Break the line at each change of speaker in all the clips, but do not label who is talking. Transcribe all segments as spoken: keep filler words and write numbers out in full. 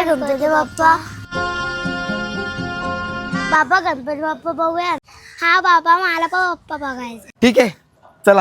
गणपती बाप्पा. बाबा गणपती बाप्पा बघूया. हा बाबा मला पण बाप्पा बघायचा.
ठीक आहे चला.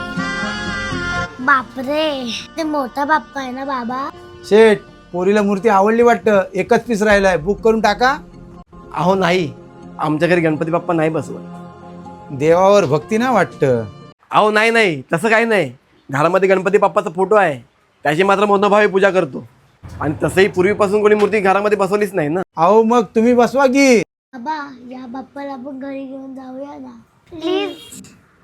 बापरे ते मोठा बाप्पा आहे ना बाबा.
शेठ पोरीला मूर्ती आवडली वाटतं. एकच पीस राहिलाय, बुक करून टाका.
अहो नाही, आमच्या घरी गणपती बाप्पा नाही बसवत.
देवावर भक्ती ना वाटतं.
अहो नाही नाही तसं काही नाही. घरामध्ये गणपती बाप्पाचा फोटो आहे, त्याची मात्र मनोभावे पूजा करतो. आणि तसंही पूर्वीपासून कोणी मूर्ती घरामध्ये बसवलीच नाही ना.
अहो मग तुम्ही बसवा की.
बाबा या बाप्पाला आपण घरी घेऊन जाऊया ना प्लीज.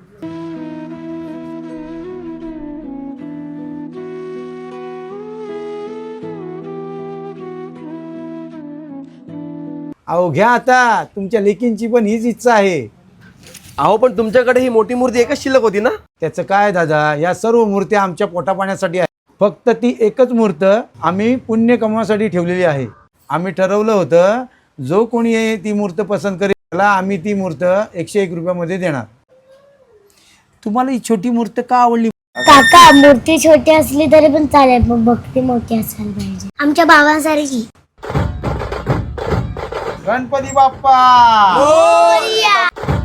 अहो घ्या आता, तुमच्या लेकींची पण हीच इच्छा आहे.
अहो पण तुमच्याकडे ही मोठी मूर्ती एकच शिल्लक होती ना.
त्याचं काय दादा, या सर्व मूर्त्या आमच्या पोटापाण्यासाठी आहे. फक्त ती एकच मूर्त आम्ही पुण्य कमवासाठी ठेवलेली आहे. आम्ही ठरवलं होतं जो कोणी ती मूर्त पसंत करेल त्याला आम्ही ती मूर्त एकशे एक रुपयामध्ये देणार. तुम्हाला ही छोटी मूर्त का आवडली?
काका मूर्ती छोटी असली तरी पण चालेल, पण भक्ती मोठी असायला पाहिजे आमच्या बाबांसारखी.
गणपती बाप्पा.
मोरया.